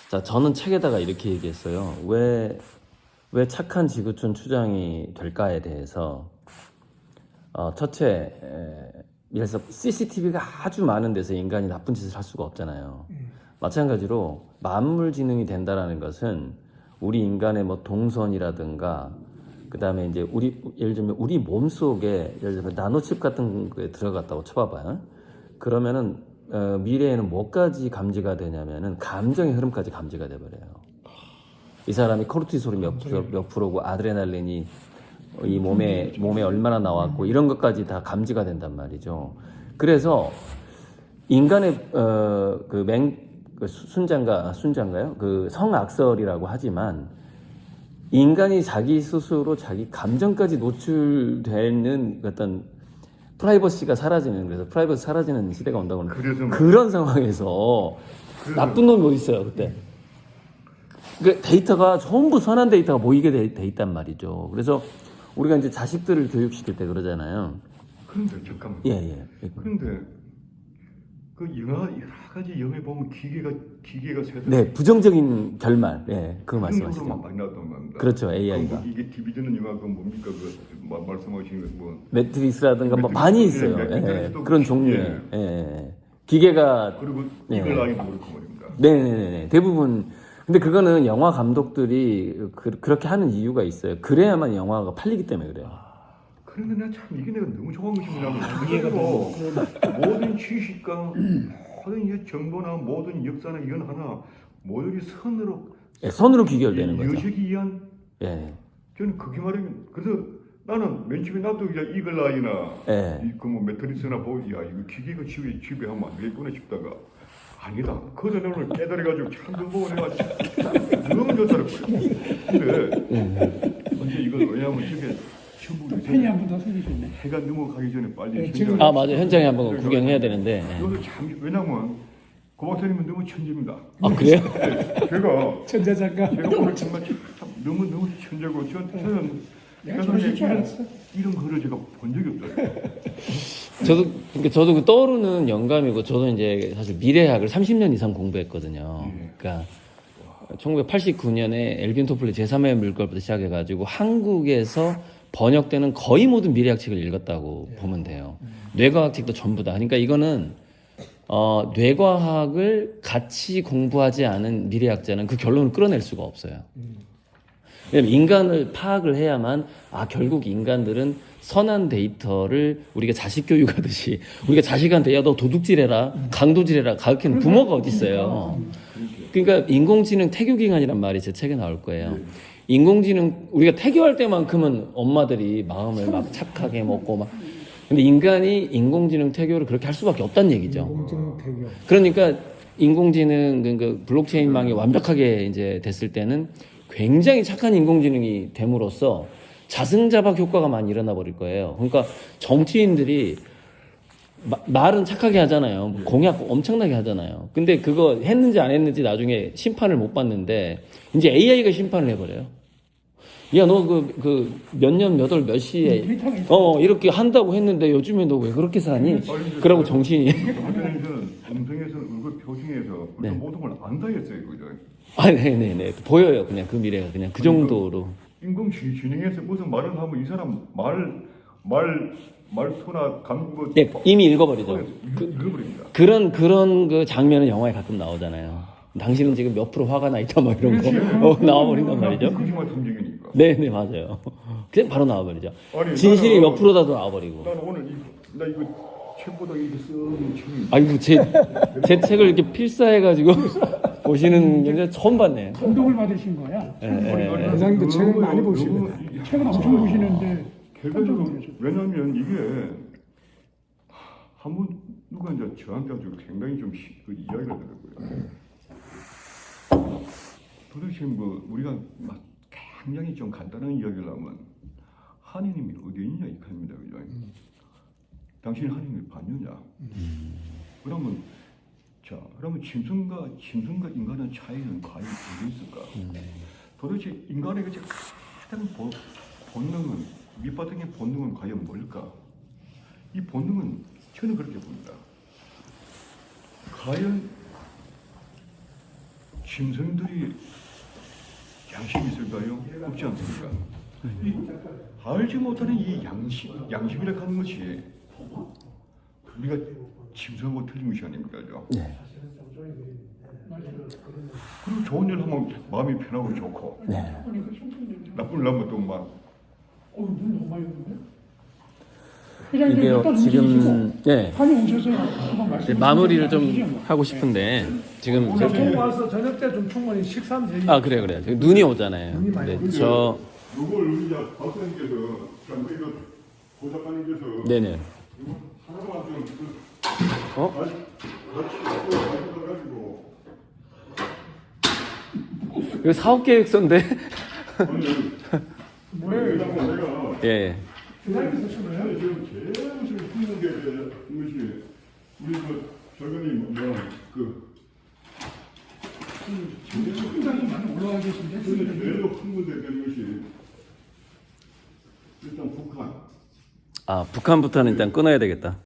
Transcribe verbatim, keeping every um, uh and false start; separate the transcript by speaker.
Speaker 1: 자, 저는 책에다가 이렇게 얘기했어요. 왜, 왜 착한 지구촌 추장이 될까에 대해서 어, 첫째, 에, 그래서 씨씨티비가 아주 많은 데서 인간이 나쁜 짓을 할 수가 없잖아요. 음. 마찬가지로 만물지능이 된다라는 것은 우리 인간의 뭐 동선이라든가 그 다음에 이제 우리 예를 들면 우리 몸 속에 예를 들면 나노칩 같은 거에 들어갔다고 쳐봐봐요. 그러면은 어, 미래에는 뭐까지 감지가 되냐면은 감정의 흐름까지 감지가 돼버려요. 이 사람이 코르티솔이 몇, 프로, 몇 프로고 아드레날린이 이 몸에 몸에 얼마나 나왔고 이런 것까지 다 감지가 된단 말이죠. 그래서 인간의 어, 그 맹, 그 순장가 순장가요? 그 성악설이라고 하지만 인간이 자기 스스로 자기 감정까지 노출되는 어떤 프라이버시가 사라지는 그래서 프라이버시 사라지는 시대가 온다고 하는 그런 상황에서 그래서 나쁜 놈이 어디 있어요 그때? 그 데이터가 전부 선한 데이터가 모이게 돼, 돼 있단 말이죠. 그래서 우리가 이제 자식들을 교육시킬 때 그러잖아요.
Speaker 2: 그런데 잠깐만.
Speaker 1: 예, 예.
Speaker 2: 그런데 그 영화 여러 가지 영화에 보면 기계가 기계가 세대.
Speaker 1: 네, 부정적인 결말. 예, 그거 말씀하시죠.
Speaker 2: 많이 나왔던 겁니다.
Speaker 1: 그렇죠, 에이아이가.
Speaker 2: 뭐 이게 디비전은 영화 그 뭡니까 그 마, 말씀하신 그 뭐
Speaker 1: 매트릭스라든가 뭐
Speaker 2: 매트릭스,
Speaker 1: 많이 있어요.
Speaker 2: 예,
Speaker 1: 예,
Speaker 2: 매트릭스도
Speaker 1: 그런
Speaker 2: 그-
Speaker 1: 종류의
Speaker 2: 예.
Speaker 1: 예, 예. 기계가
Speaker 2: 그리고
Speaker 1: 예.
Speaker 2: 이글 라인도 그렇고 말입니다.
Speaker 1: 네네네. 대부분. 근데 그거는 영화 감독들이 그, 그렇게 하는 이유가 있어요. 그래야만 영화가 팔리기 때문에 그래요.
Speaker 2: 그런데 내가 참 이게 내가 너무 좋아한 것이 뭐냐면 이해가 모든 지식과 모든 이 정보나 모든 역사나 이건 하나 모두 선으로
Speaker 1: 예, 선으로 귀결되는 거죠.
Speaker 2: 여식이 위한
Speaker 1: 예.
Speaker 2: 저는 그게 말하면 그래서 나는 맨 처음에 나도 이제 이글라이나
Speaker 1: 예.
Speaker 2: 그뭐 매트리스나 보고 야 이거 기계가 집에 집에 하면 안 되겠구나 싶다가 아니다. 그 전에 오늘 깨달아가지고 참그 보고 내가 참 너무 좋더라고요. 근데 이제 이걸 왜냐하면 저게 전부
Speaker 3: 펜이 한 번 더 생기셨네.
Speaker 2: 해가 넘어가기 전에 빨리
Speaker 3: 네,
Speaker 2: 현장을
Speaker 1: 아, 맞아요. 현장에 한번 구경해야 되는데. 예.
Speaker 2: 이것도 참 왜냐면 고 박사님은 너무 천재입니다.
Speaker 1: 아, 그래요?
Speaker 2: 제가
Speaker 3: 천재 작가.
Speaker 2: 제가 오늘 정말 참 너무 너무 천재고 저, 저는
Speaker 3: 내가 저러실 줄 알았어.
Speaker 2: 이런 거를 제가 본 적이 없어요.
Speaker 1: 저도, 그러니까 저도 그 떠오르는 영감이고, 저도 이제 사실 미래학을 삼십 년 이상 공부했거든요.
Speaker 2: 예.
Speaker 1: 그러니까 천구백팔십구 년에 엘빈 토플리 제삼의 물결부터 시작해가지고 한국에서 번역되는 거의 모든 미래학 책을 읽었다고
Speaker 3: 예.
Speaker 1: 보면 돼요. 뇌과학 책도 전부 다. 그러니까 이거는 어, 뇌과학을 같이 공부하지 않은 미래학자는 그 결론을 끌어낼 수가 없어요. 왜냐면 인간을 파악을 해야만 아 결국 인간들은 선한 데이터를 우리가 자식 교육하듯이 우리가 자식한테 야 너 도둑질해라 강도질해라 가르치는 부모가 어디 있어요. 그러니까 인공지능 태교기간이란 말이 제 책에 나올 거예요. 인공지능 우리가 태교할 때만큼은 엄마들이 마음을 막 착하게 먹고 막 근데 인간이 인공지능 태교를 그렇게 할 수밖에 없다는 얘기죠.
Speaker 3: 인공지능 태교.
Speaker 1: 그러니까 인공지능 그, 그 블록체인망이 완벽하게 이제 됐을 때는 굉장히 착한 인공지능이 됨으로써 자승자박 효과가 많이 일어나 버릴 거예요. 그러니까 정치인들이 마, 말은 착하게 하잖아요. 공약 엄청나게 하잖아요. 근데 그거 했는지 안 했는지 나중에 심판을 못 받는데 이제 에이아이가 심판을 해버려요. 야, 너 그, 그, 몇 년, 몇 월, 몇 시에, 어, 이렇게 한다고 했는데 요즘에 너 왜 그렇게 사니? 그러고 정신이.
Speaker 2: 한편에서는 음성에서 얼굴 표정에서
Speaker 1: 네.
Speaker 2: 모든 걸 안다 했어요, 그죠?
Speaker 1: 아, 네네네. 보여요. 그냥 그 미래가 그냥 그 정도로.
Speaker 2: 인공지능에서 무슨 말을 하면 이 사람 말, 말, 말투나 감, 뭐.
Speaker 1: 네, 이미 읽어버리죠.
Speaker 2: 그, 읽어버립니다.
Speaker 1: 그런, 그런 그 장면은 영화에 가끔 나오잖아요. 당신은 지금 몇 프로 화가 나 있다, 뭐 이런 거. 어, 나와버린단 말이죠.
Speaker 2: 거짓말 탐지기니까.
Speaker 1: 네네, 맞아요. 그냥 바로 나와버리죠.
Speaker 2: 아니,
Speaker 1: 진실이
Speaker 2: 나는-
Speaker 1: 몇 프로다도 나와버리고.
Speaker 2: 나는 오늘 이, 나 이거 책보다 이렇게 쓰는 책이.
Speaker 1: 아이고, 제, 제 책을 이렇게 필사해가지고 보시는 게 처음 봤네요.
Speaker 3: 감동을 받으신 거야.
Speaker 1: 예, 예, 예.
Speaker 3: 회장님도 책을
Speaker 2: 너무-
Speaker 3: 많이
Speaker 2: 너무
Speaker 3: 보시거든.
Speaker 2: 이-
Speaker 3: 책을 엄청 보시는데
Speaker 2: 결과적으로 왜냐하면 이게 한번 누가 이제 저한테 아주 굉장히 좀 시- 그 이야기를 하더라고요. 도대체 뭐 우리가 막 굉장히 좀 간단한 이야기를 하면 한인이 어디 있냐 이 칸입니다, 그죠?
Speaker 3: 음.
Speaker 2: 당신이 한인을 봤느냐?
Speaker 1: 음.
Speaker 2: 그러면 자, 그러면 짐승과 짐승과 인간의 차이는 과연 어디 있을까?
Speaker 1: 음.
Speaker 2: 도대체 인간의 그 가장 본, 본능은 밑바탕의 본능은 과연 뭘까? 이 본능은 저는 그렇게 봅니다. 과연 심성들이 양심이 있을까요? 없지 않습니까? 이 알지 못하는 이 양심, 양심이라 하는 것이 우리가 짐승하고 틀린 것이 아닙니까? 죠?
Speaker 1: 네.
Speaker 2: 그리고 좋은 일 하면 마음이 편하고 좋고
Speaker 1: 네.
Speaker 2: 나쁜 일 하면 또막
Speaker 3: 어, 눈 너무 많이 오는데? 회장님
Speaker 1: 이게
Speaker 3: 일단
Speaker 1: 지금
Speaker 3: 움직이시고
Speaker 1: 예
Speaker 3: 판이 오셔서 한번 말씀.
Speaker 1: 마무리를 좀 하고 싶은데 지금
Speaker 4: 오늘
Speaker 1: 저기-
Speaker 4: 총 와서 저녁 때 좀 충분히 식사하면 되니까.
Speaker 1: 아 그래 그래 눈이 오잖아요.
Speaker 4: 눈이 많이
Speaker 1: 근데 저
Speaker 2: 이걸 우리 이제 박사님께서 참 이거 고 작가님께서
Speaker 1: 네네
Speaker 2: 하나만 좀
Speaker 1: 어
Speaker 2: 같이 가지고
Speaker 1: 이거 사업 계획서인데
Speaker 2: 뭐예요? 내가
Speaker 1: 예
Speaker 3: 회장님께서 쓰는 거예요?
Speaker 2: 지금 제일 지금 힘든 게 이것이 우리 그 절근이 뭐그
Speaker 3: 굉장히 많이 올라와 계신데
Speaker 2: 제일 큰 문제 되는 것이 일단 북한
Speaker 1: 아 북한부터는 일단 끊어야 되겠다.